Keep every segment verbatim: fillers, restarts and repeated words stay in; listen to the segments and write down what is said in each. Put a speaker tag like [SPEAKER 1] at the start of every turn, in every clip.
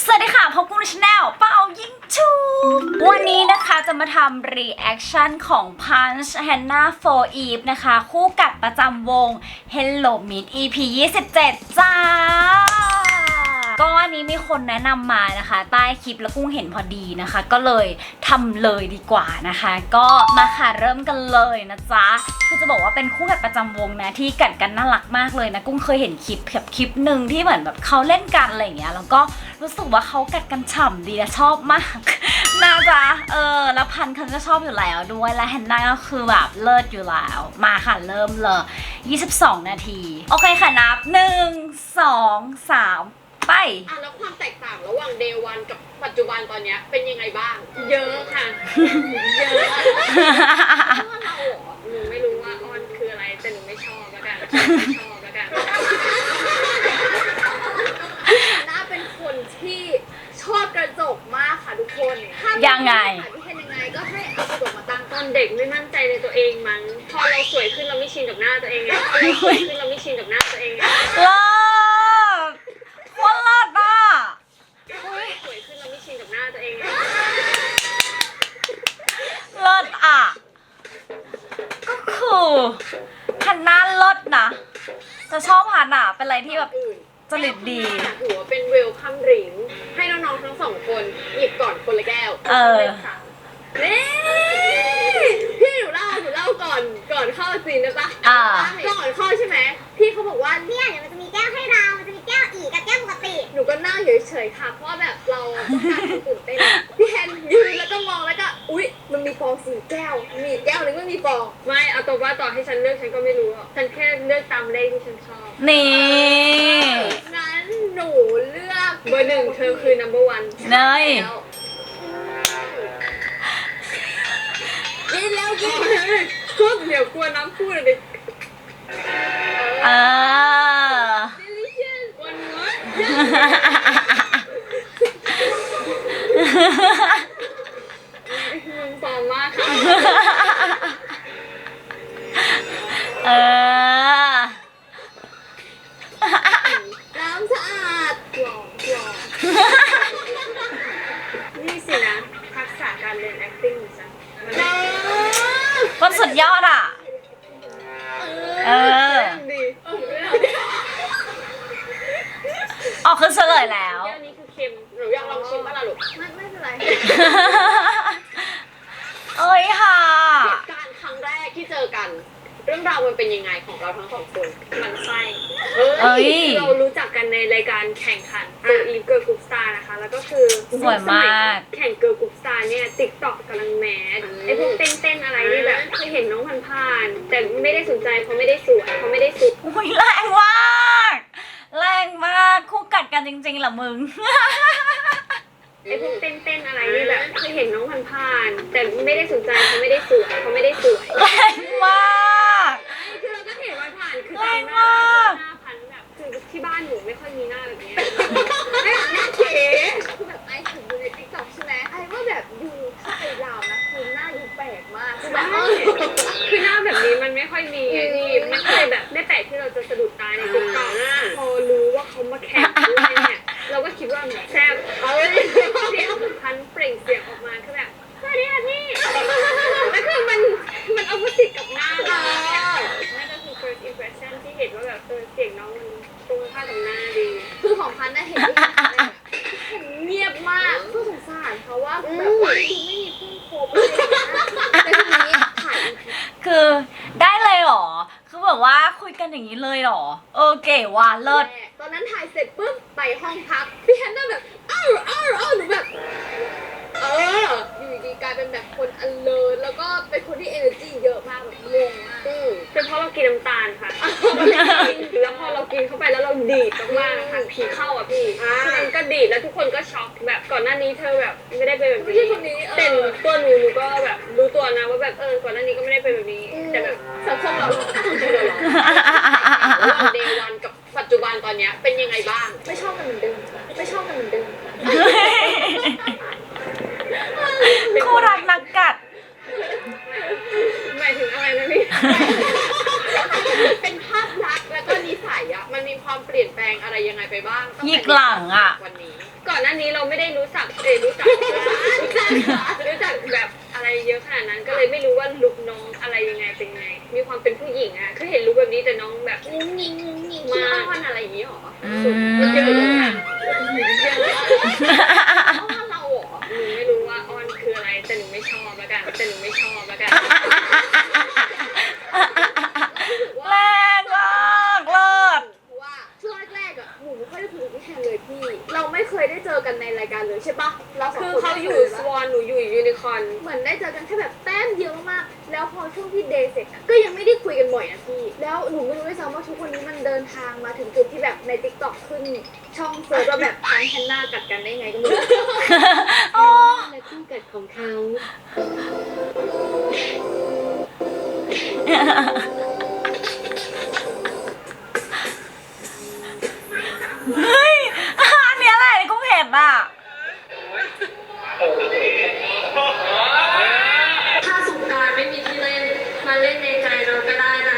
[SPEAKER 1] สวัสดีค่ะพบกับชาแนลเป่ายิงชูวันนี้นะคะจะมาทำรีแอคชั่นของ Punch Hannah for Eve นะคะคู่กัดประจำวง Hello Meet อี พี ยี่สิบเจ็ด จ้าก็อันนี้มีคนแนะนำมานะคะใต้คลิปแล้วกุ้งเห็นพอดีนะคะก็เลยทำเลยดีกว่านะคะก็มาค่ะเริ่มกันเลยนะจ๊ะคือจะบอกว่าเป็นคู่กัดประจำวงนะที่กัดกันน่ารักมากเลยนะกุ้งเคยเห็นคลิปแบบคลิปหนึ่งที่เหมือนแบบเขาเล่นกันอะไรอย่างเงี้ยแล้วก็รู้สึกว่าเขากัดกันฉ่ำดีและชอบมากนะจ๊ะเออแล้วพันเขาก็ชอบอยู่แล้วด้วยและแฮนนาก็คือแบบเลิศอยู่แล้วมาค่ะเริ่มเลยยี่สิบสองนาทีโอเคค่ะนับหนึ่ง สอง สามไป
[SPEAKER 2] อ่ะแล้วความแตกต่างระหว่างเดย์วันกับปัจจุบันตอนนี้เป็นยังไงบ้าง เยอะค่ะ เยอะเพราะว่าเราเหรอหนูไม่รู้ว่าออนคืออะไรแต่หนูไม่ชอบแล้วกันไม่ชอบแล้วกันน่าเป็นคนที่ชอบกระจกมากค่ะทุกคน
[SPEAKER 1] ยังไง
[SPEAKER 2] ที่เห็นยังไงก็ให้เอากระจกมาตั้งตอนเด็กไม่มั่นใจในตัวเองมั้งพอเราสวยขึ้นเราไม่ชินกับหน้าตัวเองไงพอเราสวยขึ้นเราไม่ชินกับหน้าตัวเองไง
[SPEAKER 1] เลิศว่าเลิศอ่ะ
[SPEAKER 2] สวยขึ้นเราไม่ชินกับหน้าตัวเองไง
[SPEAKER 1] เลิศอ่ะก็คือฮันน่าเลิศนะจะชอบฮันน่ะเป็นอะไรที่แบบจริตดี
[SPEAKER 2] ถือว่าเป็นเวลคัมดริงก์ให้น้องๆทั้งสองคนหยิบก่อนคนละแก้ว
[SPEAKER 1] เออ
[SPEAKER 2] นี่พี่หนูเล่าหนูเล่าก่อนก่อนเข้าซีนนะจ๊ะก่อนเข้าใช่ไหมพี่เขาบอกว่า
[SPEAKER 3] เนี่ยเดี๋ยวมันจะมีแก้วให้เรามันจะมีแก้วอีกกับแก้วปกติ
[SPEAKER 2] หนูก็นั่งเฉยๆค่ะเพราะแบบเราต้องการความตื่นเต้นพี่แฮนยืนแล้วก็มองแล้วก็อุ๊ยมันมีฟองสี่แก้วมีแก้วนึงไม่มีฟองไม่เอาตัวว่าต่อให้ฉันเลือกฉันก็ไม่รู้ฉันแค่เลือกตามเลขที่ฉันชอบ
[SPEAKER 1] นี่
[SPEAKER 2] งั้นหนูเลือกเบอร์หนึ่งเธอคือ number one
[SPEAKER 1] เนย
[SPEAKER 2] กินแล้วกินก็เดี๋ยวกลัวน้ำพูดเลย
[SPEAKER 1] เออ
[SPEAKER 2] delicious one more มึงฟอร์มมากค่ะ
[SPEAKER 1] เออ
[SPEAKER 2] น้ำสะอาดกรองกรองนี่สินะทักษะการเรียน acting ของฉัน
[SPEAKER 1] ก็สุดยอดอ่ะเออออกคือเฉลยแล้ว
[SPEAKER 2] แก้วนี้คือเค็มหนูอยากลองชิมบ้างล่ะลูกไม่ไม่เป็นไร
[SPEAKER 1] เอ้ยค่ะ
[SPEAKER 2] เหตุการณ์ครั้งแรกที่เจอกันเรื่องราวมันเป็นยังไงของเราทั้งสองคนมันไส้เฮ้ยเรารู้จักกันในรายการแข่งขันเกิร์ลอีฟเกิร์ลกรุ๊ปสตาร์นะคะแล้วก็คือ
[SPEAKER 1] สวยมาก
[SPEAKER 2] แข่งเกิร์ลกรุ๊ปสตาร์เนี่ยติ๊กต็อกกำลังแมสไอพวกเต้นๆอะไรนี่แบบเคยเห็นน้องผ่านๆแต่ไม่ได้สนใจเพราะไม่ได้สวยเพราะไม่ได้สุด
[SPEAKER 1] อุ้ยแรงมากแรงมากคู่กัดกันจริงๆเหรอมึง
[SPEAKER 2] ไอพวกเต้นๆอะไรนี่แบบเคยเห็นน้องผ่านๆแต่ไม่ได้สนใจเพราะไม่ได้สวยเพราะไม่ได้สวย
[SPEAKER 1] แรงมาก
[SPEAKER 2] คือเราก็เห็นผ่านๆคือ
[SPEAKER 1] แรง
[SPEAKER 2] มากหน้าพันแบบคือที่บ้านหนูไม่ค่อยมีหน้าแบบนี้หน้าเก๋คือแบบไอ้ถึงดูในติ๊กต็อกใช่ไหมไอ้ว่าแบบดูถ้าไอ้ลาวนะคือหน้าดูแปลกมากคือแบบคือหน้าแบบนี้มันไม่ค่อยมีไงพี่ไม่เคยแบบไม่แปลกที่เราจะสะดุดตาในติ๊กต็อกพอรู้ว่าเขามาแข่งด้วยเนี่ยเราก็คิดว่าแซ่บเอ้ยที่พันเปล่งเสียงออกมาคือแบบสวัสดีค่ะพี่แล้วคือมันมันเอามาติดกับหน้าเรานั่นก็คือ first impression ที่เห็นว่าแบบเออเสียงน้องมันตรงข้ามกับหน้าดีคือของพันน่ะเห็นเงียบมากก็สงสารเพราะว่าแบบดูไม่มีเพื่อนคบเลยแต่ทีนี้ถ่าย
[SPEAKER 1] คือได้เลยเหรอคือแบบว่าคุยกันอย่างนี้เลยเหรอเออเก๋ว่ะเลิศ
[SPEAKER 2] ตอนนั้นถ่ายเสร็จปุ๊บไปห้องพักพี่แฮนน่าแบบอ้าวอ้าวอ้าวหนูแบบเอออยู่ดีกลายเป็นแบบคน alert แล้วก็เป็นคนที่ energy เยอะมากแบบงงมากเป็นเพราะเรากินน้ำตาลค่ะแล้วพอเรากินเข้าไปแล้วเราดีดมากๆค่ะผีเข้าอ่ะพี่มันก็ดีดแล้วทุกคนก็ช็อกแบบก่อนหน้านี้เธอแบบไม่ได้เป็นแบบนี้แต่ตัวหนูหนูก็แบบรู้ตัวนะว่าแบบเออก่อนหน้านี้ก็ไม่ได้เป็นแบบนี้แต่แบบสังคมเราเราเดย์วันกับปัจจุบันตอนนี้เป็นยังไงบ้างไม่ชอบกันเหมือนเดิมไม่ชอบกันเหมือนเดิม
[SPEAKER 1] คู่รักนักกัด
[SPEAKER 2] หมายถึงอะไรนะพี่เป็นภาพลักษณ์แล้วก็นิสัยอะมันมีความเปลี่ยนแปลงอะไรยังไงไปบ้าง
[SPEAKER 1] ยิกหลังอะ
[SPEAKER 2] วันนี้ก่อนหน้านี้นี้เราไม่ได้รู้จักเอยรู้จักรู้จักแบบอะไรเยอะขนาดนั้นก็เลยไม่รู้ว่าลุคน้องอะไรยังไงเป็นไงมีความเป็นผู้หญิงอะคือเห็นลุคแบบนี้แต่น้องแบบงุ้งงิงงุ้งงิงมาอ้อนอะไรอย่างนี้หรอ
[SPEAKER 1] อื
[SPEAKER 2] เยอะเลย
[SPEAKER 1] ม
[SPEAKER 2] อะเยอะอ้อนเราหรอหนูไม่รู้ว่าอ้อนคืออะไรแต่หนูไม่ชอบแล้วกันแต่หนูไม่ชอบแล้วกัน
[SPEAKER 1] แรงมากเลิศ
[SPEAKER 2] เพราะว่าช่วงแรกๆอ่ะหนูไม่ค่อยได้คุยกับพี่แทนเลยพี่ เราไม่เคยได้เจอกันในรายการเลยใช่ปะเราสองคนคือเขาอยู่สวอนหนูอยู่ยูนิคอร์นเหมือนได้เจอกันแค่แบบแต้มเดียวมากๆแล้วพอช่วงที่เดย์เสร็จอะก็ยังไม่ได้คุยกันบ่อยนะพี่แล้วหนูไม่รู้ด้วยซ้ำว่าทุกวันนี้มันเดินทางมาถึงจุดที่แบบใน ติ๊กต็อก ขึ้นช่องเซิร์ชว่าแบบพันแฮนนากัดกันได้ไงก็ไม่รู้
[SPEAKER 1] อ๋อ
[SPEAKER 2] และคู่กัดของเขา
[SPEAKER 1] เฮ้ยอันเนี้ยแหละที่กูเห็นอ่ะ
[SPEAKER 2] ถ้าสงกรานต์ไม่มีที่เล่นมาเล่นในใจเราก็ได้นะ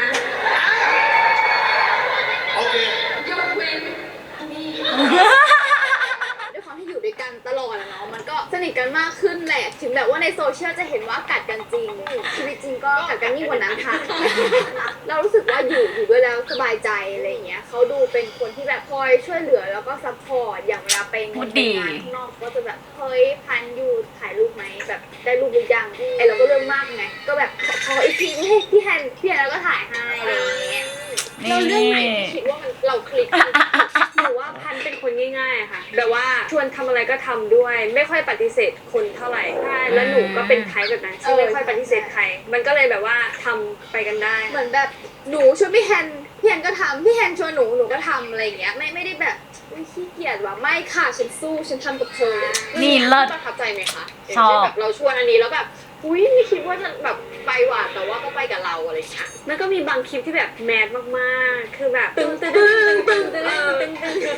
[SPEAKER 4] โอเค
[SPEAKER 2] ยกเว้นนี่ด้วยความที่อยู่ด้วยกันตลอดอะเนาะมันก็สนิทกันมากขึ้นแหละถึงแบบว่าในโซเชียลจะเห็นว่ากัดกันจริงชีวิตจริงก็กัดกันยิ่งกว่านั้นค่ะ เรารู้สึกว่าอยู่อยู่ด้วยแล้วสบายใจอะไรอย่างเงี้ยเขาดูเป็นคนที่แบบคอยช่วยเหลือแล้วก็ซัพพอร์ตอย่างเวลาไป
[SPEAKER 1] พูด
[SPEAKER 2] ไป
[SPEAKER 1] ดี
[SPEAKER 2] งานข้างนอกก็จะแบบเฮ้ยพันอยู่ถ่ายรูปไหมแบบได้รูปหรือยังไอเราก็เรื่องมากไงก็แบบขออีกทีเฮ้ยพี่แฮนพี่แฮนแล้วก็ถ่ายให้อะไรอย่างเงี้ย
[SPEAKER 1] นี่
[SPEAKER 2] เราเรื่องไหนที่คิดว่ามันเราคลิกหนูว่าพันเป็นคนง่ายๆอะค่ะแบบว่าชวนทำอะไรก็ทำด้วย ไม่ค่อยปฏิเสธคนเท่าไหร่ใช่แล้วหนูก็เป็นไทป์แบบนั้นที่ไม่ค่อยปฏิเสธใคร มันก็เลยแบบว่าทำไปกันได้เหมือนแบบหนูชวนพี่แฮนพี่แฮนก็ทำพี่แฮนชวนหนูหนูก็ทำอะไรอย่างเงี้ยไม่ไม่ได้แบบอุ๊ยขี้เกียจว่ะไม่ค่ะฉันสู้ฉันทำกับเธอ
[SPEAKER 1] นี่เลิศ
[SPEAKER 2] ประทับใจไหมคะ
[SPEAKER 1] ชอบ
[SPEAKER 2] แบบเราชวนอันนี้แล้วแบบอุ้ยไม่คิดว่าจะแบบไปหว่ะแต่ว่าก็ไปกับเราอะไรอย่างเงี้ยมันก็มีบางคลิปที่แบบแมสมากๆคือแบบตึงตึงตึงตึงตึงตึงตึง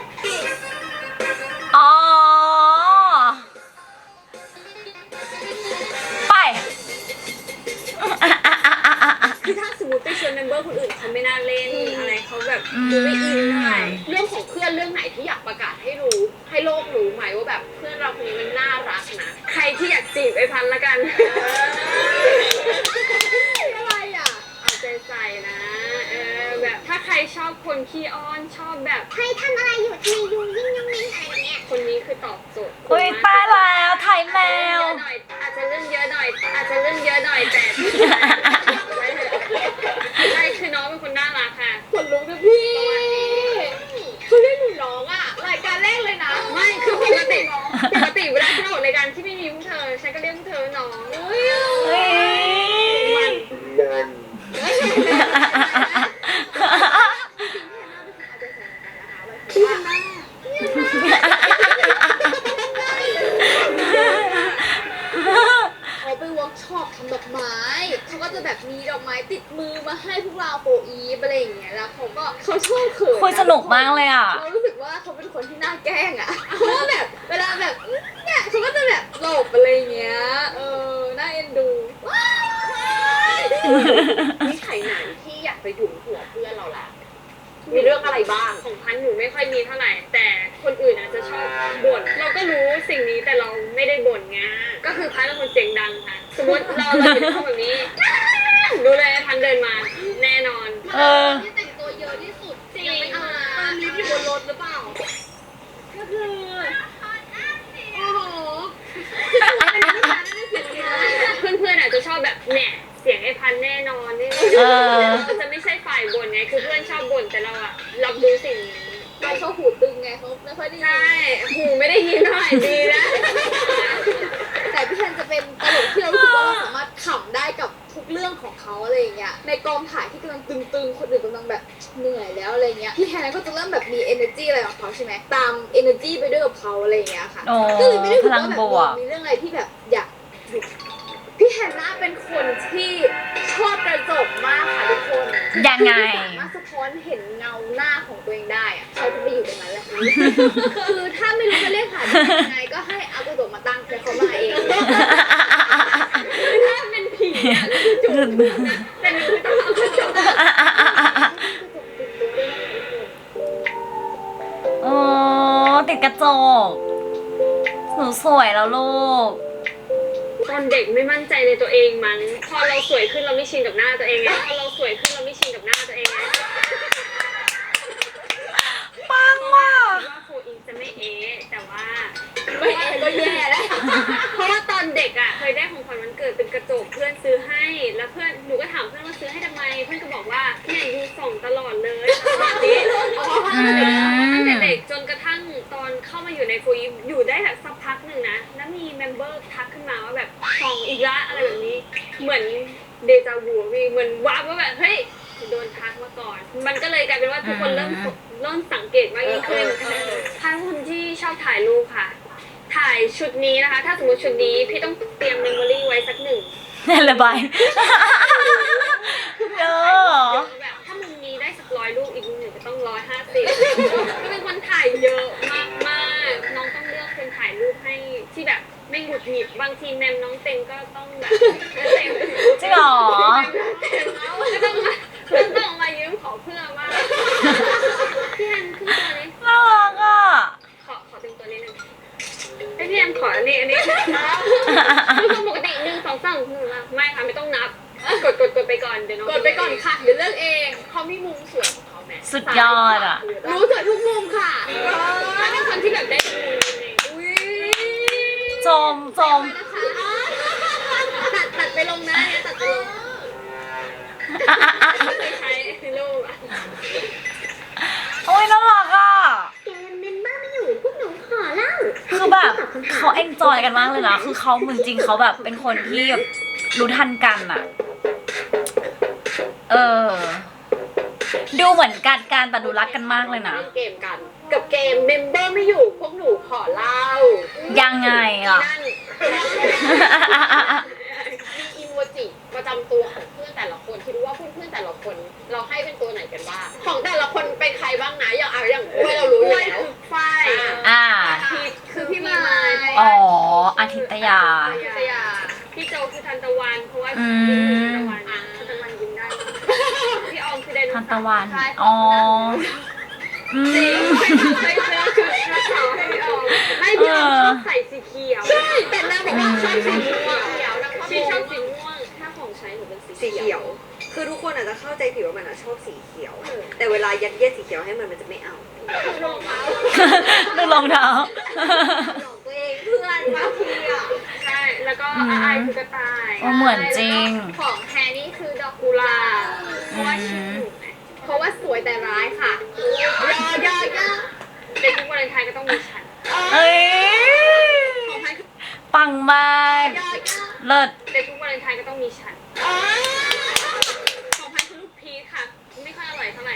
[SPEAKER 1] อ๋อ ไป
[SPEAKER 2] คือถ้าสมมติไปชวนเมมเบอร์คนอื่นเขาไม่น่าเล่นอะไรเขาแบบดูไม่อินเท่าไหร่เรื่องของเพื่อนเรื่องไหนที่อยากประกาศให้รู้ให้โลกรู้ไหมว่าแบบเพื่อนเราคนนี้มันน่ารักนะใครที่อยากจีบไอ้พันละกันอะไรอ่ะเอาใจใส่นะเออแบบถ้าใครชอบคนขี้อ้อนชอบแบบ
[SPEAKER 3] เฮ้ยทำอะไรอยู่ทำไมยุงยิ่งยุงยิ่งอะไรอย่างเงี้ย
[SPEAKER 2] คนนี้คือตอบโจทย์
[SPEAKER 1] อุ้ยตายแล้วไทยแมว
[SPEAKER 2] อาจจะเรื่องเยอะหน่อยอาจจะเรื่องเยอะหน่อยแต่ใช่คือน้องเป็นคนน่ารักค่ะคนรู้นะพี่คือเรียกหนูน้องอ่ะรายการแรกเลยนะไม่คือปกติปกติเวลาที่เราออกรายการที่ไม่มีพวกเธอฉันก็เรียกพวกเธอน้องเฮ้ย
[SPEAKER 1] เฮ้ย
[SPEAKER 2] มัน
[SPEAKER 4] มัน
[SPEAKER 2] พี่ฮันน่าเขาไปเวิร์กช็อปทำดอกไม้เขาก็จะแบบมีดอกไม้ติดมือมาให้พวกเราโปรอีฟอะไรอย่างเงี้ยแล้วเขาก็เขาชอบเขิน
[SPEAKER 1] คุยสนุกมากเลยอ่ะ
[SPEAKER 2] เรารู้สึกว่าเขาเป็นคนที่น่าแกล้งอ่ะเพราะว่าแบบเวลาแบบเนี่ยเขาก็จะแบบหลบอะไรอย่างเงี้ยเออน่าเอ็นดูว้ายนิสัยไหนที่อยากไปหยุมหัวเพื่อนเราล่ะมีเรื่องอะไรบ้างของพันหนูไม่ค่อยมีเท่าไหร่แต่คนอื่นอาจจะชอบบ่นเราก็รู้สิ่งนี้แต่เราไม่ได้บ่นไงก็คือพันเป็นคนเสียงดังค่ะสมมติเราเราอยู่ในห้องแบบนี้รู้เลยพันเดินมาแน่นอน
[SPEAKER 1] เออ
[SPEAKER 2] ที่แต่งตัวเยอะที่สุดจริงอ่ะตอนนี้อยู่บนรถหรือเปล่าก็คือโอ้โหเพื่อนๆอาจจะชอบแบบเนี่ยเสียงไอ้พันแน่นอนนี่
[SPEAKER 1] เออ
[SPEAKER 2] เราจะไม่ใช่ฝ่ายบ่นไงคือเพื่อนชอบบ่นแต่เราอะรับรู้สิ่งนี้เราชอบหูตึงไงเขาไม่ค่อยได้ยินใช่หูไม่ได้ยินหน่อยดีนะแต่พี่แทนจะเป็นตลกที่เรารู้สึกว่าเราสามารถขำได้กับทุกเรื่องของเขาอะไรอย่างเงี้ยในกองถ่ายที่กำลังตึงๆคนอื่นกำลังแบบเหนื่อยแล้วอะไรเงี้ยพี่แทนก็จะเริ่มแบบมี energy อะไรของเขาใช่ไหมตาม energy ไปด้วยกับเขาอะไรอย่างเงี้ยค่ะ
[SPEAKER 1] โอ้
[SPEAKER 2] ก็เลยไม่ได้รู้สึกว่า
[SPEAKER 1] พลัง
[SPEAKER 2] แบบ
[SPEAKER 1] บวก
[SPEAKER 2] มีเรื่องอะไรที่แบบอยากหยุดพี่แฮนน่าเป็นคนที่ชอบกระจกมากค่ะทุกคน
[SPEAKER 1] ยังไง
[SPEAKER 2] สามารถสะท้อนเห็นเงาหน้าของตัวเองได้อะเขาจะไปอยู่ตรงนั้นแหละ คือถ้าไม่รู้จะเรียกหายังไงก็ให้เอากระจกมาตั้งแล้วเขามาเองถ้าเป็นผีอะคือจุดแต่หนูไม่ต้องเอากระจก
[SPEAKER 1] อ๋อ ติดกระจกหนูสวยแล้วลูก
[SPEAKER 2] ตอนเด็กไม่มั่นใจในตัวเองมั้งพอเราสวยขึ้นเราไม่ชินกับหน้าตัวเองไงพอเราสวยขึ้นเราไม่ชินกับหน้าตัวเองไง
[SPEAKER 1] ปังว่ะ
[SPEAKER 2] คิดว่าโฟอิงจะไม่เอ๊ะแต่ว่าไม่เอ๊ะก็แย่แล้วเพราะว่าตอนเด็กอ่ะเคยได้ของขวัญวันเกิดเป็นกระจกเพื่อนซื้อให้แล้วเพื่อนหนูก็ถามเพื่อนว่าซื้อให้ทำไมเพื่อนก็บอกว่าเนี่ยยูส่องตลอดเลยแบบนี้ตั้งแต่เด็กจนกระทั่งตอนเข้ามาอยู่ในโฟอิงอยู่ได้แบบสักพักหนึ่งนะแล้วมีเมมเบอร์ทักขึ้นมาว่าแบบส่องอีกละอะไรแบบนี้เหมือนเดจาวูพี่เหมือนว้าว่าแบบเฮ้ยโดนทักมาก่อน มันก็เลยกลายเป็นว่าทุกคนเริ่มเริ่มสังเกตมากยิ่งขึ้นถ้าคนที่ชอบถ่ายรูปค่ะ ถ่ายชุดนี้นะคะ ถ้าสมมติชุดนี้พี่ต้องเตรียมเมมโมรี่ไว้สักหนึ่ง
[SPEAKER 1] นี่ระบายเยอะ
[SPEAKER 2] แบบถ้ามุมนี้ได้สักร้อยรูปอีกมุมหนึ่งก็ต้องร้อยห้าสิบก็เป็นคนถ่ายเยอะมากมากๆน้องต้องเลือกคนถ่ายรูปให้ที่แบบไม่หงุดหงิดบางทีแมมน้องเต็มก็ต้องแบบเต็ม
[SPEAKER 1] จริงเหรอ
[SPEAKER 2] ก็ต้องมาก็ต้องมายืมขอเพื่อนว่าพี่แอนขึ้นตัวนี้
[SPEAKER 1] น่ารักอ่ะ
[SPEAKER 2] ขอขอเต็มตัวนิดนึงไอพี่แอนขออันนี้อันนี้คือปกติหนึ่งสองสามหนึ่งละไม่ค่ะไม่ต้องนับกดกดกดไปก่อนเดี๋ยวน้อง
[SPEAKER 4] กดไปก่อนค่ะ เดี๋ยวเลือกเองเขามีมุมสวยของเขาแม่
[SPEAKER 1] สุดยอดอ่ะ
[SPEAKER 4] รู้สวยทุกมุมค่ะ
[SPEAKER 2] ถ้าเป็นคนที่แบบได้ดูใน
[SPEAKER 4] อุ้ย
[SPEAKER 1] จมจม
[SPEAKER 4] ตัดตัดไปลงนะเนี่ยตัดไปลง
[SPEAKER 2] เคยใช้รูปอะ
[SPEAKER 1] โอ้ยน่ารักอ่ะ
[SPEAKER 3] เกมเมมเบอร์ไม่อยู่พวกหนูขอเล่า
[SPEAKER 1] คือแบบเขาเอนจอยกันมากเลยนะ คือเขาเหมือนจริงเขาแบบเป็นคนที่แบบรู้ทันกันอ่ะ เออ ดูเหมือนกันกันแต่ดูรักกันมากเลยนะ
[SPEAKER 4] เล่นเกมกัน กับเกมเมมเบอร์ไม่อยู่พวกหนูขอเล่า
[SPEAKER 1] ยังไงอ่ะ
[SPEAKER 4] นั่นมีอีโมจิประจำตัวของเพื่อนแต่ละคนคิดว่าเพื่อนๆแต่ละคน เราให้เป็นตัวไหนกันบ้างของแต่ละคนเป็นใครบ้างนะอย่างเอาอย่างกล้วยเรารู้อยู่แล้ว
[SPEAKER 2] ฝ้าย
[SPEAKER 1] อ่า
[SPEAKER 2] พีทคือพี่มาย
[SPEAKER 1] อ๋อ อาทิตยา
[SPEAKER 4] พิทยา
[SPEAKER 2] พี่โจคือทันตะวันเพราะว่า
[SPEAKER 1] อื
[SPEAKER 2] พี่
[SPEAKER 1] ม
[SPEAKER 2] ทันตะวันทันตะวันยิ้มได้พี่ออมคือไดโน
[SPEAKER 1] ทัน
[SPEAKER 2] เสา
[SPEAKER 1] ตะ
[SPEAKER 2] ร์
[SPEAKER 1] วัน อ๋อ อื
[SPEAKER 2] จริง
[SPEAKER 1] ม
[SPEAKER 2] ไปซื้อไปซื้อคือนักข่าวให้พี่ออมไม่พี่ออมชอบใส่สีเขียว
[SPEAKER 4] ใช่แต่นางบอกว่าชอบสีม่วงเขียวนางชอบ
[SPEAKER 2] พี่ชอบ
[SPEAKER 4] สี
[SPEAKER 2] สีม่วง
[SPEAKER 4] ถ้าของใช้หนูเป็นสี
[SPEAKER 5] สีเขียว คือทุกคนอาจจะเข้าใจผิดว่ามันอะชอบสีเขียว แต่เวลายัดเยียดสีเขียวให้มันมันจะไม่เอา
[SPEAKER 4] รองเท้า
[SPEAKER 1] ดูรองเท้า
[SPEAKER 4] ของตัวเองเพื่อนบางทีอ่ะ
[SPEAKER 2] ใช่แล้วก็อาอายคือกระต่าย
[SPEAKER 1] อ๋อเหมือนจริง
[SPEAKER 4] ของแฮร์นี่คือดอก
[SPEAKER 2] กุหลาบ
[SPEAKER 4] เพราะว่าชื่อหนูไงเพราะว่าสวยแต่ร้ายค่ะยอยอยอ
[SPEAKER 2] ในทุกวันเลนไทน์ก็ต้องมีฉัน
[SPEAKER 1] เอ้ย
[SPEAKER 4] ของพันคือ
[SPEAKER 1] ปังมาก
[SPEAKER 4] ยอยอ
[SPEAKER 1] เลิศ
[SPEAKER 2] ในทุกวันเลนไทน์ก็ต้องมีฉัน
[SPEAKER 4] อ๋อ
[SPEAKER 2] ของพันคือลูกพีชค่ะ ไม่ค่อยอร่อยเท่าไหร่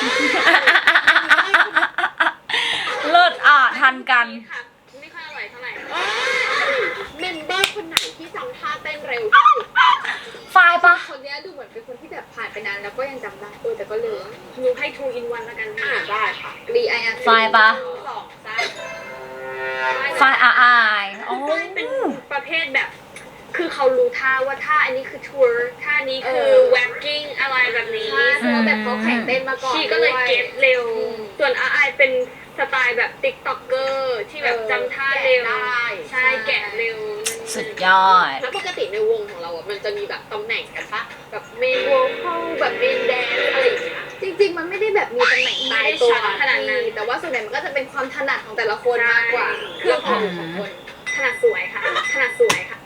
[SPEAKER 1] เลิศอ่ะ ทันกัน
[SPEAKER 2] พีชค่ะไม่ค่อยอร่อยเท่าไหร่
[SPEAKER 4] เมมเบอร์คนไหนที่จำท่าเต้นเร็วที่สุด
[SPEAKER 1] ไฟล์ปะ
[SPEAKER 4] คนเนี้ยดูเหมือนเป็นคนที่แบบผ่านไปนานแล้วก็ยังจำได้เออแต่ก็ลืม
[SPEAKER 2] หนูให้ two in one แล้วกัน
[SPEAKER 4] อ่าได้ค่ะ รีไออาร์
[SPEAKER 1] ไฟล์ปะ
[SPEAKER 4] สองสาม
[SPEAKER 1] ไฟล์อาอายโอ้
[SPEAKER 2] เป็นประเภทแบบ คือเขารู้ท่าว่าท่าอันนี้คือทัวร์ท่านี้คือแว็กกิ้งอะไรแบบนี้
[SPEAKER 4] ใช่เพราะว่าแบบเขาแข่งเต้นมาก่อน
[SPEAKER 2] ชีก็เลย
[SPEAKER 4] ด้วย
[SPEAKER 2] เก็ตเร็ว
[SPEAKER 4] อืม
[SPEAKER 2] ส่วนอาไอเป็นสไตล์แบบติ๊กต็อกเกอร์ที่แบบจำท่าเร็ว
[SPEAKER 4] แกะได้
[SPEAKER 2] ใช่แกะเร็ว
[SPEAKER 1] สุดยอด
[SPEAKER 4] แล้วปกติในวงของเราอ่ะมันจะมีแบบตำแหน่งกันปะแบบเมนโวคอลแบบเมนแดนอะไรอย่างเงี้ยจริงๆมันไม่ได้แบบมีตำแหน่งตายตัว
[SPEAKER 2] ขนาดนั้น
[SPEAKER 4] แต่ว่าส่วนใหญ่มันก็จะเป็นความถนัดของแต่ละคนมากกว่า
[SPEAKER 2] ใช่
[SPEAKER 4] เครื่องของของคน
[SPEAKER 2] ถนัดสวยค่ะถนัดสวยค่ะ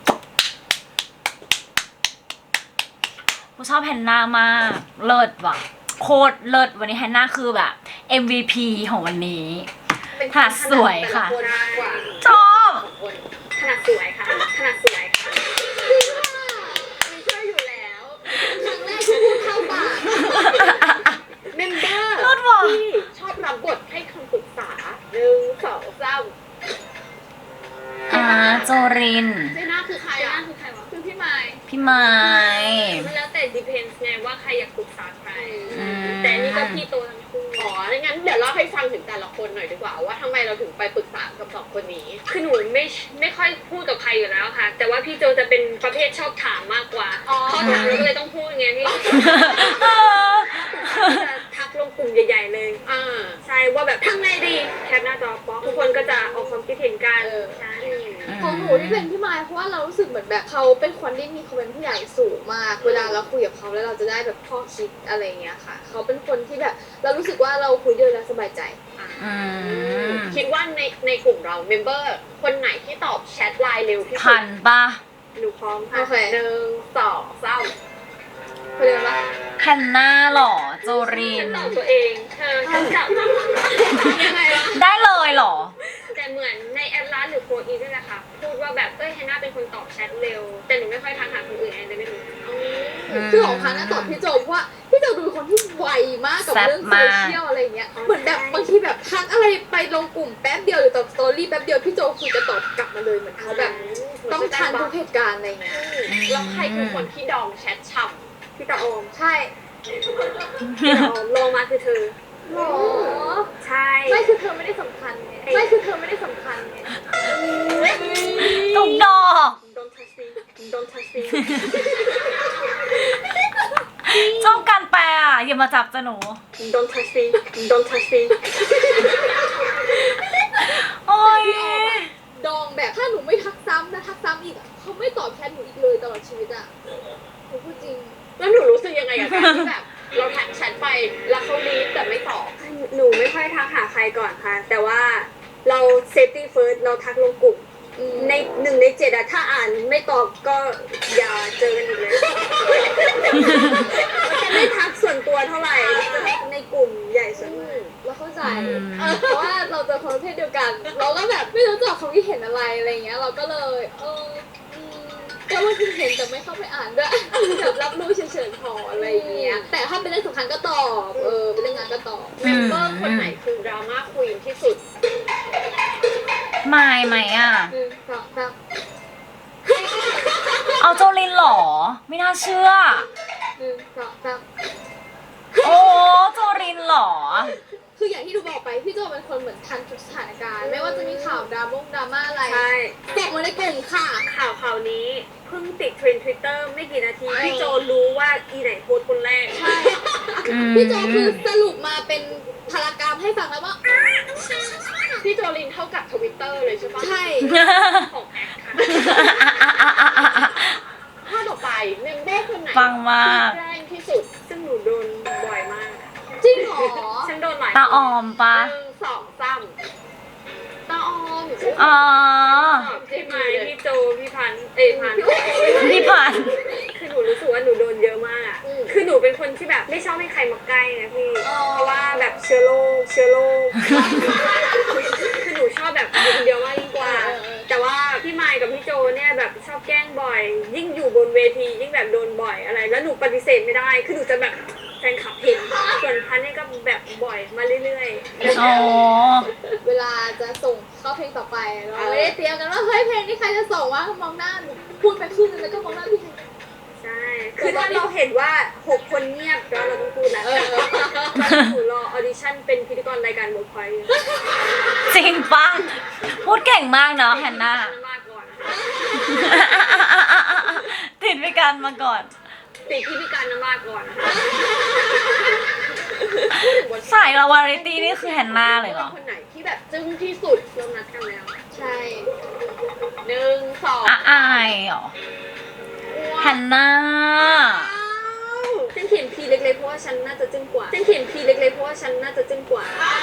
[SPEAKER 1] กูชอบแฮนนามาก เลิศว่ะ โคตรเลิศวันนี้แฮนนาคือแบบ เอ็ม วี พี ของวันนี้
[SPEAKER 4] เป็น
[SPEAKER 1] ถนัดสวยค่ะ
[SPEAKER 4] แต่ลนมากกว่า
[SPEAKER 1] ชอบ
[SPEAKER 4] ของคน
[SPEAKER 2] ถนัดสวยค่ะถนัดสวยค่ะ
[SPEAKER 4] มีช่วยอยู่แล้วครั้งแรกที่พูดเข้าปากเมมเบอร์
[SPEAKER 1] เลิศว่ะ
[SPEAKER 4] ที่ชอบรับบทให้คำปรึกษาหนึ่งสองสาม
[SPEAKER 1] อ่าโจริน
[SPEAKER 4] เจน่าคือใคร
[SPEAKER 2] เจ
[SPEAKER 4] อ่ะ
[SPEAKER 2] น่าคือใครวะ
[SPEAKER 4] คือพี่ไม้
[SPEAKER 1] พี่ไม้
[SPEAKER 2] มันแล้วแต่ depends ไงว่าใครอยากปรึกษาใคร
[SPEAKER 1] อืม
[SPEAKER 2] แต่อันนี่ก็พี่โตทั้งคู่
[SPEAKER 4] อ๋องั้นเดี๋ยวเล่าให้ฟังถึงแต่ละคนหน่อยดีกว่าว่าทำไมเราถึงไปปรึกษากับสองคนนี้
[SPEAKER 2] คือหนูไม่ไม่ค่อยพูดกับใครอยู่แล้วค่ะ แต่ว่าพี่โจจะเป็นประเภทชอบถามมากกว่า
[SPEAKER 4] อ๋อ
[SPEAKER 2] พอถามเราก็เลยต้องพูดไงพี่
[SPEAKER 1] เออ
[SPEAKER 2] จะทักลงกลุ่มใหญ่ๆเลย
[SPEAKER 4] อ่า
[SPEAKER 2] ใช่ว่าแบบทำไงดีแคปหน้าจอป๊อกทุกคนก็จะออกความคิดเห็นกัน
[SPEAKER 4] เออ
[SPEAKER 2] ใช่
[SPEAKER 4] อืม
[SPEAKER 2] ของหนูที่เป็นพี่มายเพราะว่าเรารู้สึกเหมือนแบบเขาเป็นคนที่มีความเป็นผู้ใหญ่สูงมากเวลาเราคุยกับเขาแล้วเราจะได้แบบข้อคิดอะไรเงี้ยค่ะเขาเป็นคนที่แบบเรารู้สึกว่าเราคุยด้วยแล้วสบายใจ
[SPEAKER 1] อืม
[SPEAKER 4] คิดว่าในในกลุ่มเราเมมเบอร์คนไหนที่ตอบแชทไลน์เร็วที่สุ
[SPEAKER 1] พั
[SPEAKER 4] ด
[SPEAKER 1] นปะ
[SPEAKER 5] หนูพร้อมค่ะ
[SPEAKER 2] โอเค
[SPEAKER 4] หนึ่งสองสาม
[SPEAKER 2] เขาเรียกว่า
[SPEAKER 1] แฮนนาหรอโจริน
[SPEAKER 4] ตอบตัวเองเธอฉันจับยังไงวะ
[SPEAKER 1] ได้เลยเหรอ
[SPEAKER 4] แต่เหมือนในแอดลาสหรือโฟอีนี่แหละค่ะพูดว่าแบบเอ้ยแฮนนาเป็นคนตอบแชทเร็ว แต่หนูไม่ค่อยทักหาคนอื่นแอนเลยไม่รู้
[SPEAKER 2] คือของพันนะตอบพี่โจเพราะว่าพี่โจดูเป็นคนที่ไวมากกับ
[SPEAKER 1] แซ่บ
[SPEAKER 2] เรื่องโซ
[SPEAKER 1] มาก
[SPEAKER 2] เชียลอะไรเงี้ยเหมือนแบบบางทีแบบทักอะไรไปลงกลุ่มแป๊บเดียวหรือตอบสตอรี่แป๊บเดียวพี่โจคือจะตอบกลับมาเลยเหมือนเขาแบบต้องทันทุกเหตุการณ์อะไรเงี้ย
[SPEAKER 4] แล้วใครคือคนที่ดองแชทฉ่
[SPEAKER 5] พี่ตาโอม
[SPEAKER 2] ใช่
[SPEAKER 5] พี่ตาโอมลงมาคือเธอ
[SPEAKER 2] หรอ
[SPEAKER 5] ใช่
[SPEAKER 2] ไม่คือเธอไม่ได้สำคัญไงไม่คือเธอไม่ได้สำคัญไง
[SPEAKER 1] ตุกดอก
[SPEAKER 5] Don't touch me Don't touch me
[SPEAKER 1] ชอบการแปลอ่ะ อย่ามาจับจะหนู
[SPEAKER 5] Don't touch me Don't touch me
[SPEAKER 1] โอ้ย
[SPEAKER 2] ดองแบบถ้าหนูไม่ทักซ้ำนะทักซ้ำอีกอะเขาไม่ตอบแชทหนูอีกเลยตลอดชีวิตอะหนูพูดจริง
[SPEAKER 4] ำแล้วหนูรู้สึกยังไงกับการที่แบบเราทักแชทไปแล้วเขารีดแต่ไม่ตอบ
[SPEAKER 5] หนูไม่ค่อยทักหาใครก่อนค่ะ แต่ว่าเรา safety first เราทักลงกลุ่ม
[SPEAKER 2] อืม
[SPEAKER 5] ในหนึ่งในเจ็ดอะถ้าอ่านไม่ตอบก็อย่าเจอกันอีกเลยจะไม่ทักส่วนตัวเท่าไหร่จะในกลุ่มใหญ่ส่วนมาก
[SPEAKER 2] เราเข้าใจ
[SPEAKER 1] อืม
[SPEAKER 2] เออเพราะว่าเราเจอคนประเภทเดียวกัน เราก็แบบไม่รู้จักความคิดเห็นอะไรอะไรเงี้ย เราก็เลยเอออืมก็ว่าคิดเห็นแต่ไม่เข้าไปอ่านด้วยแบบรับรู้เฉยๆพออะไรอย่างเงี้ย แต่ถ้าเป็นเรื่องสำคัญก็ตอบ เออเป็นเรื่องงานก็ตอบ
[SPEAKER 4] เมมเบอร์คนไหนคือดราม่าควีนที่สุด
[SPEAKER 1] ไม่ไหมอ่ะ
[SPEAKER 2] หนึ่งสองสาม
[SPEAKER 1] เอาโจรินเหรอ ไม่น่าเชื่อ
[SPEAKER 2] หนึ่งสองสาม
[SPEAKER 1] โอ้โจรินเหรอ
[SPEAKER 2] คืออย่างที่ดูบอกไปพี่โจเป็นคนเหมือนทันทุกสถานการณ์ ไม่ว่าจะมีข่าวดราม่งดราม่าอะไร
[SPEAKER 5] ใช่
[SPEAKER 2] แจกมาในกลุ่มค่ะ
[SPEAKER 5] ข่าวข่าวนี้เพิ่งติดเทรนด์ทวิตเตอร์ไม่กี่นาที พี่โจรู้ว่าอีไหนโพสต์คนแรก
[SPEAKER 2] ใช่
[SPEAKER 1] อืม
[SPEAKER 2] พี่โจคือสรุปมาเป็นพารากราฟให้ฟังแล้วว่า
[SPEAKER 4] พี่โจลินเท่ากับทวิตเตอร์เลยใช่ปะ
[SPEAKER 2] ใช่
[SPEAKER 4] ของแอคค่ะข้อต่อไปเมมเบอร์คนไหน
[SPEAKER 1] ฟังมาก
[SPEAKER 4] แรงที่สุด
[SPEAKER 5] ซึ่งหนูโดนบ่อยมาก
[SPEAKER 2] จริงเหรอ
[SPEAKER 5] ฉันโดนหลาย
[SPEAKER 1] ตาออมปะ
[SPEAKER 4] หนึ่งสองสามตาออม
[SPEAKER 1] อ๋อ
[SPEAKER 5] พี่ไม้พี่โจ พี่พันธุ์เอ้ยพันธุ์
[SPEAKER 1] พี่พัน
[SPEAKER 5] คือหนูรู้สึกว่าหนูโดนเยอะมากอะคือหนูเป็นคนที่แบบไม่ชอบให้ใครมาใกล้นะพี่ เพราะว่าแบบเชื้อโรคเชื้อโรค คือหนูชอบแบบอยู่คนเดียวมากยิ่งกว่า แต่ว่าพี่ไมค์กับพี่โจเนี่ยแบบชอบแกล้งบ่อย ยิ่งอยู่บนเวทียิ่งแบบโดนบ่อยอะไร แล้วหนูปฏิเสธไม่ได้ คือหนูจะแบบแฟนคลับเห็น ส่วนพันธุ์เนี่ยก็แบบบ่อยมาเรื่อยๆ
[SPEAKER 1] อ๋อ
[SPEAKER 2] เวลาจะส่งเข้าเพลงต่อไปเราไม่ได้เตรียมกันว่าเฮ้ยเพลงนี้ใครจะส่งวะมองหน้าหนูพูดไปครึ่งนึงแล้วก็มองหน้าพี่
[SPEAKER 5] ใช่ คือถ้าเราเห็นว่าหกคนเงียบแล้วเราต้องพูดแล้ว
[SPEAKER 2] เออ
[SPEAKER 5] หนูรอออดิชั่นเป็นพิธีกรรายการเวิร์กพอยต์
[SPEAKER 1] จริงปะพูดเก่งมากเนาะแฮนนา
[SPEAKER 5] มาก่อน
[SPEAKER 1] ติดไปกันมาก่อน
[SPEAKER 5] ติดที่พิการน้ำมาก่อนนะคะ
[SPEAKER 1] สายเราวาไรตี้นี่คือแฮนนาเลยเหรอ
[SPEAKER 4] คนไหนที่แบบจึ้งที่สุด
[SPEAKER 5] เรานัดกันแล้ว
[SPEAKER 2] ใช่
[SPEAKER 4] หนึ่งสอง
[SPEAKER 1] อ่ะอายเหรอแฮนนา
[SPEAKER 5] ฉันเขียนพีเล็กๆเพราะว่าฉันน่าจะจึ้งกว่า ฉันเขียนพีเล็กๆเพราะว่าฉันน่าจะจึ้งกว่า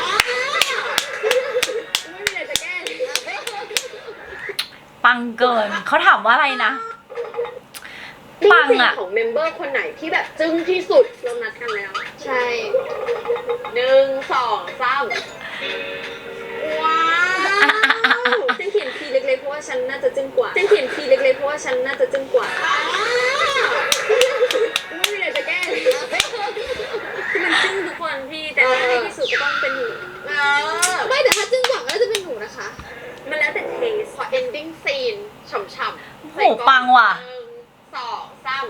[SPEAKER 2] ไม่มีอะไรจะแก้
[SPEAKER 1] ปังเกิน เขาถามว่าอะไรนะ
[SPEAKER 4] นี่
[SPEAKER 1] ปัง
[SPEAKER 4] สิ่ง
[SPEAKER 1] อะ
[SPEAKER 4] ของเมมเบอร์คนไหนที่แบบจึ้งที่สุด
[SPEAKER 5] เรานัดกันแล้ว
[SPEAKER 2] ใช่
[SPEAKER 4] หนึ่งสองสาม
[SPEAKER 5] ว้าวฉันเขียนพีเล็กๆเพราะว่าฉันน่าจะจึ้งกว่า ฉันเขียนพีเล็กๆเพราะว่าฉันน่าจะจึ้งกว่า
[SPEAKER 2] ไม่มีอะไรจะแก้
[SPEAKER 5] คือมันจึ้งทุกคนพี่ แต่ถ้าในที่สุดก็ต้องเป็นหนู
[SPEAKER 2] ไม่แต่ถ้าจึ้งกว่าก็จะเป็นหนูนะคะ
[SPEAKER 5] มันแล้วแต่เทส
[SPEAKER 4] ขอ ending scene ฉ่ำๆ
[SPEAKER 1] โหปังว่ะ
[SPEAKER 4] หนึ่งสองสาม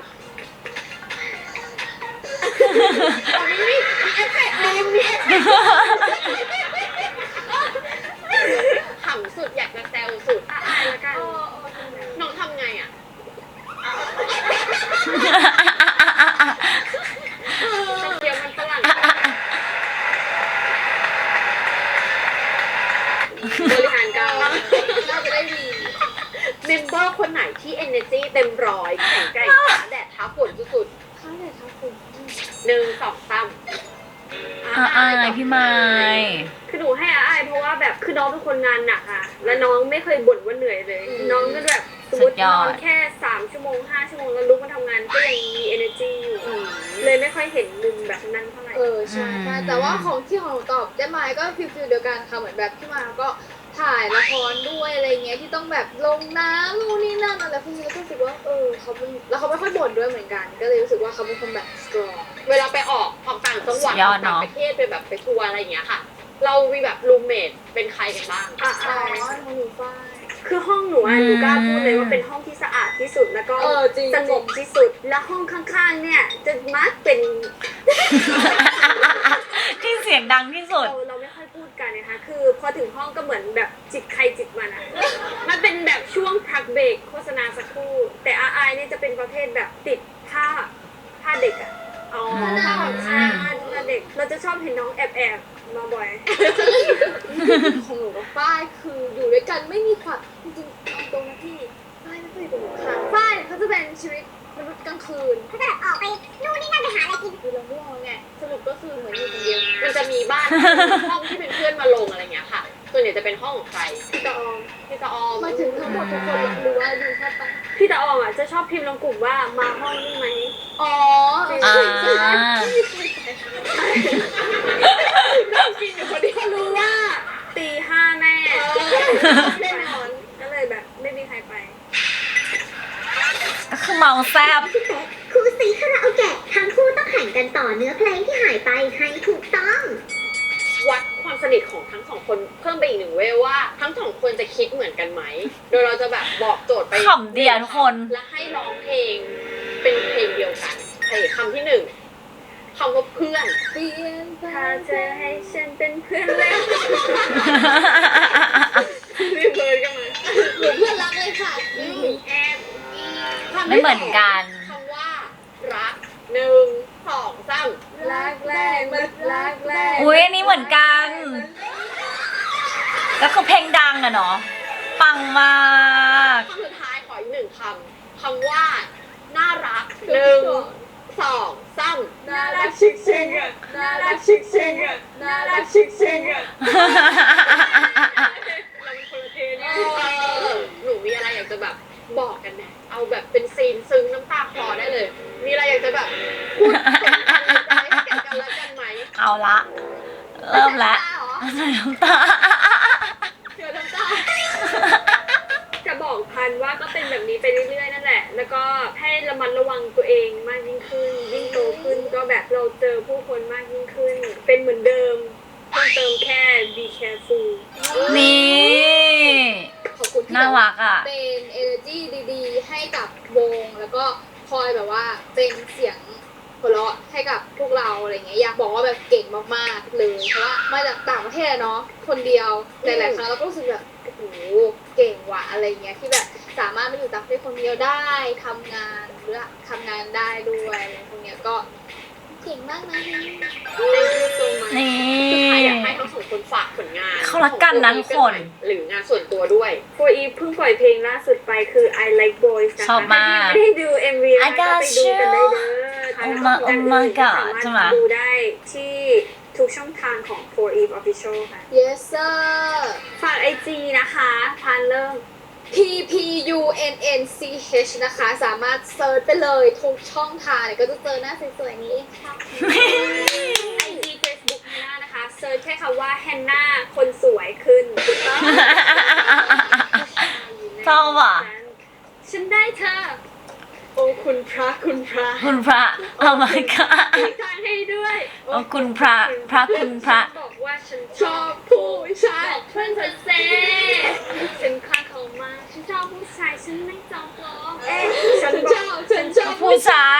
[SPEAKER 4] มีมีเอฟเฟกต์มีมีเอฟเฟกต์ขำสุดอยากจะแซวสุด
[SPEAKER 5] อ่ะอายละกัน
[SPEAKER 4] น้องทำไงอ่ะเกียวมันฝรั่งบริหารการ
[SPEAKER 2] น่าจะได้ดี
[SPEAKER 4] เมมเบอร์คนไหนที่ energy เต็มร้อยแข็งแกร่งท้าแดดท้าฝนสุด
[SPEAKER 2] ข้าวเลยครับผม
[SPEAKER 4] ๆหนึ่งสองสาม
[SPEAKER 1] อ่ะอายพี่ไม้
[SPEAKER 5] คือหนูให้อาอายเพราะว่าแบบคือน้องเป็นคนงานหนักค่ะ แล้วน้องไม่เคยบ่นว่าเหนื่อยเลย น้องก็แบบสมมตินอนแค่สามชั่วโมงห้าชั่วโมงแล้วลุกมาทำงานก็ยังมี energy อยู่เลยไม่ค่อยเห็นมุมแบบนั้นเท่าไหร่
[SPEAKER 2] เออใช่ใช่แต่ว่าของที่ของหนูตอบได้ไหมก็ฟิลฟิลเดียวกันค่ะเหมือนแบบพี่มาก็ถ่ายละครด้วยอะไรเงี้ยที่ต้องแบบลงน้ำนู่นนี่นั่นอะไรพวกนี้แล้วก็รู้สึกว่าเออเขาเป็นแล้วเขาไม่ค่อยบ่นด้วยเหมือนกัน ก็เลยรู้สึกว่าเขาเป็นคนแบบ strong
[SPEAKER 4] เวลาไปออกออกต่างจังหวัด
[SPEAKER 1] สุดย
[SPEAKER 4] อ
[SPEAKER 1] อ
[SPEAKER 4] อ
[SPEAKER 1] ด
[SPEAKER 4] ก
[SPEAKER 1] เน
[SPEAKER 4] ต่าง
[SPEAKER 1] อะ
[SPEAKER 4] ประเทศไปแบบไปทัวร์อะไรอย่างเงี้ยค่ะ เรามีแบบรูมเมทเป็นใครกันบ้าง
[SPEAKER 5] อา
[SPEAKER 2] อ๋อ
[SPEAKER 5] อาย
[SPEAKER 2] ของหนูฝ้าย
[SPEAKER 5] คือห้องหนูอะหนูกล้าพูดเลยว่าเป็นห้องที่สะอาดที่สุดแล้วก็
[SPEAKER 2] เออจริง
[SPEAKER 5] สงบที่สุด และห้องข้างๆเนี่ยจะมักเป็น
[SPEAKER 1] ที่เสียงดังที่สุด
[SPEAKER 5] เราเราไม่ค่อยพูดกันนะคะ คือพอถึงห้องก็เหมือนแบบจิตใครจิตมันอะมันเป็นแบบช่วงพักเบรกโฆษณาสักครู่ แต่อาอายเนี่ยจะเป็นประเภทแบบติดผ้าผ้าเด็กอะอ๋อผ้าของชาผ้าเด็ก เราจะชอบเห็นน้องแอบแอบๆมาบ่อย
[SPEAKER 2] ของหนูกับฝ้ายคืออยู่ด้วยกันไม่มีความจริงๆเอาตรงนะพี่ฝ้ายไม่เคยอยู่กับหนูค่ะฝ้ายเขาจะเป็นชีวิตมนุษย์กลางคืน
[SPEAKER 3] เขาจะแบบออกไปนู่นนี่นั่นไปหาอะไรกิน
[SPEAKER 2] คือเราง่วงไงสรุปก็คือเหมือนอยู่คนเดียว
[SPEAKER 4] มันจะมีบ้าน ห้องที่เป็นเพื่อนมาลงอะไรเงี้ยค่ะ ส่วนใหญ่จะเป็นห้องของใคร
[SPEAKER 5] พี่ตาออม
[SPEAKER 4] พี่ตาออม
[SPEAKER 2] มาถึงทั้งหมดทุกคนหรือว่าอยู่แค่ตั้ง
[SPEAKER 5] พี่ตาออมอะจะชอบพิมพ์ลงกลุ่มว่ามาห้องนี่ไหม
[SPEAKER 2] อ๋อ
[SPEAKER 1] อ่า
[SPEAKER 5] จริงอยู่คนเดียวรู้ว่าตีห้าแม่แน่นอนก็เลยแบบไม่มีใครไป
[SPEAKER 1] ก็คือเมาแซบ
[SPEAKER 3] พี่แป๊กครูซีคาราโอเกะทั้งคู่ต้องแข่งกันต่อเนื้อเพลงที่หายไปให้ถูกต้อง
[SPEAKER 4] วัดความสนิทของทั้งสองคนเพิ่มไปอีกหนึ่งเวยว่าทั้งสองคนจะคิดเหมือนกันไหม โดยเราจะแบบบอกโจทย์ไป
[SPEAKER 1] ขำเดียวทุกคน
[SPEAKER 4] และให้ร้องเพลงเป็นเพลงเดียวกันเพลงคำที่หนึ่งคำว่าเพื่อน
[SPEAKER 2] เปลี่ยนไป
[SPEAKER 5] ถ้าเธอให้ฉันเป็นเพื่อนเล่น
[SPEAKER 4] รีบเลยกันมา
[SPEAKER 2] หนูเพื่อนรักเลยค่ะอืม
[SPEAKER 5] แอบ
[SPEAKER 4] คำ
[SPEAKER 1] ไม่
[SPEAKER 4] ที่
[SPEAKER 1] เหมือนกัน
[SPEAKER 4] คำว่ารักหนึ่งสองสาม
[SPEAKER 2] รักแรกมันรักแรก
[SPEAKER 1] อุ้ยอันนี้เหมือนกัน ก็คือเพลงดังอะเนาะ ปังมาก
[SPEAKER 4] คำสุดท้ายขออีกหนึ่งคำคำว่าน่ารักหนึ่งสองสาม
[SPEAKER 2] น่ารักชิคชิคอะน่ารักชิคชิคอะน่ารักชิคชิคอะ
[SPEAKER 5] เราเป็นคนละเทน
[SPEAKER 4] เออหนูมีอะไรอยากจะแบบบอกกันไหมเอาแบบเป็นซีนซึ้งน้ำตาคลอได้เลย มีอะไรอยากจะแบบพูดส่งกันในใจให้แก่กันและกันไหม
[SPEAKER 1] เอาละ เริ่มแล้วใส่น้ำตา
[SPEAKER 4] เดี๋ยวน้ำตา
[SPEAKER 5] จะบอกพันว่าก็เป็นแบบนี้ไปเรื่อยๆนั่นแหละ แล้วก็ให้ระมัดระวังตัวเองมากยิ่งขึ้น ยิ่งโตขึ้นก็แบบเราเจอผู้คนมากยิ่งขึ้น เป็นเหมือนเดิมเพิ่มเติมแค่ be careful
[SPEAKER 1] นี่
[SPEAKER 2] ขอบคุณที่
[SPEAKER 1] น่ารักอ่ะ
[SPEAKER 2] เป็น energy ดีๆ ให้กับวงแล้วก็คอยแบบว่าเป็นเสียงหัวเราะให้กับพวกเราอะไรเงี้ยอยากบอกว่าแบบเก่งมากๆเลยเพราะว่ามาจากต่างประเทศเนาะคนเดียวหลายๆครั้งเราก็รู้สึกแบบโอ้โหเก่งว่ะอะไรเงี้ยที่แบบสามารถมาอยู่ต่างประเทศคนเดียวได้ทำงานหรือทำงานได้ด้วยอะไรพวกเนี้ยก็เก่งมากนะ
[SPEAKER 5] thank you so much
[SPEAKER 1] นี่
[SPEAKER 4] สุดท้ายอยากให้ทั้งสองคนฝากผลงาน
[SPEAKER 1] เขารักกันนะทุกคน
[SPEAKER 4] หรืองานส่วนตัวด้วย
[SPEAKER 5] for Eve เพิ่งปล่อยเพลงล่าสุดไปคือ I Like Boys นะคะ
[SPEAKER 1] ชอบมาก
[SPEAKER 5] ถ้าไม่ได้ดู เอ็ม วี
[SPEAKER 1] I
[SPEAKER 5] นะก็
[SPEAKER 1] got
[SPEAKER 5] ไปดูกันได้เด้อ
[SPEAKER 1] you
[SPEAKER 5] แล้วก็ผลงาน
[SPEAKER 1] Oh my
[SPEAKER 5] อื่นๆก็
[SPEAKER 1] God
[SPEAKER 5] สา
[SPEAKER 1] ใช่ไหม
[SPEAKER 5] มารถดูได้ที่ทุกช่องทางของ for Eve Official ค่ะ
[SPEAKER 2] yes sir
[SPEAKER 5] ฝาก ไอ จี นะคะพันเริ่ม
[SPEAKER 2] P P U N N C H นะคะ สามารถเซิร์ชไปเลยทุกช่องทางเนี่ยก็จะเจอหน้าสวยๆนี้เองค่ะ
[SPEAKER 5] ไอ จี Facebook ฮันน่านะคะเซิร์ชแค่คำว่าแฮนนาคนสวยขึ้นถูกต้อง
[SPEAKER 1] ชอบอ่ะ
[SPEAKER 5] ฉันได้เธอ โอ้คุณพระคุณพระ
[SPEAKER 1] คุณพระ Oh my god
[SPEAKER 5] มีทางให้ด้วย
[SPEAKER 1] โอ้คุณพระพระคุณพระ
[SPEAKER 5] บอกว่าฉันชอบผู้ชายเพื่อนเธอเซ่ฉันคลาดเขามาฉันชอบผู้ชายฉันไม่จองล้อเอ๊ะฉันชอบฉันชอบ
[SPEAKER 1] ผู้ชาย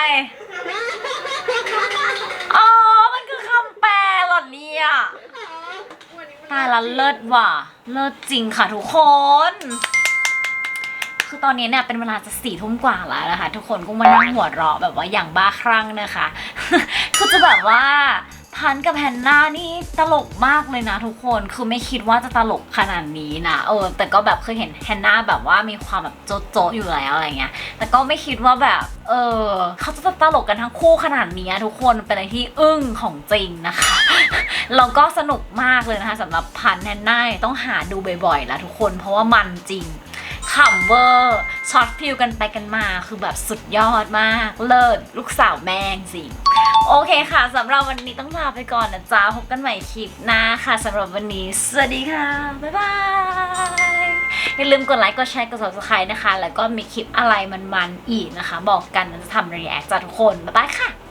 [SPEAKER 1] อ๋อ มันคือคำแปลเหรอเนี่ยตายละเลิศว่ะ เลิศจริงค่ะทุกคน คือตอนนี้เนี่ยเป็นเวลาจะสี่ทุ่มกว่าแล้วนะคะทุกคนก็มานั่งหัวเราะแบบว่าอย่างบ้าคลั่งนะคะ คือจะแบบว่าพันกับแฮนนานี่ตลกมากเลยนะทุกคนคือไม่คิดว่าจะตลกขนาดนี้นะเออแต่ก็แบบเคยเห็นแฮนนาแบบว่ามีความแบบโจ๊ะโจ๊ะอยู่แล้วอะไรเงี้ยแต่ก็ไม่คิดว่าแบบเออเขาจะตลกกันทั้งคู่ขนาดนี้ทุกคนเป็นอะไรที่อึ้งของจริงนะคะแล้วก็สนุกมากเลยนะคะสำหรับพันแฮนนาต้องหาดูบ่อยๆแล้วทุกคนเพราะว่ามันจริงขำเวอร์ช็อตฟิลกันไปกันมาคือแบบสุดยอดมากเลิศลูกสาวแม่งจริงโอเคค่ะสำหรับวันนี้ต้องลาไปก่อนนะจ๊ะพบกันใหม่คลิปหน้าค่ะสำหรับวันนี้สวัสดีค่ะบ๊ายบายอย่าลืมกดไลค์กดแชร์กด ซับสไครบ์ นะคะแล้วก็มีคลิปอะไรมันๆอีกนะคะบอกกันจะทำรีแอคจ้ะทุกคนบ๊ายบายค่ะ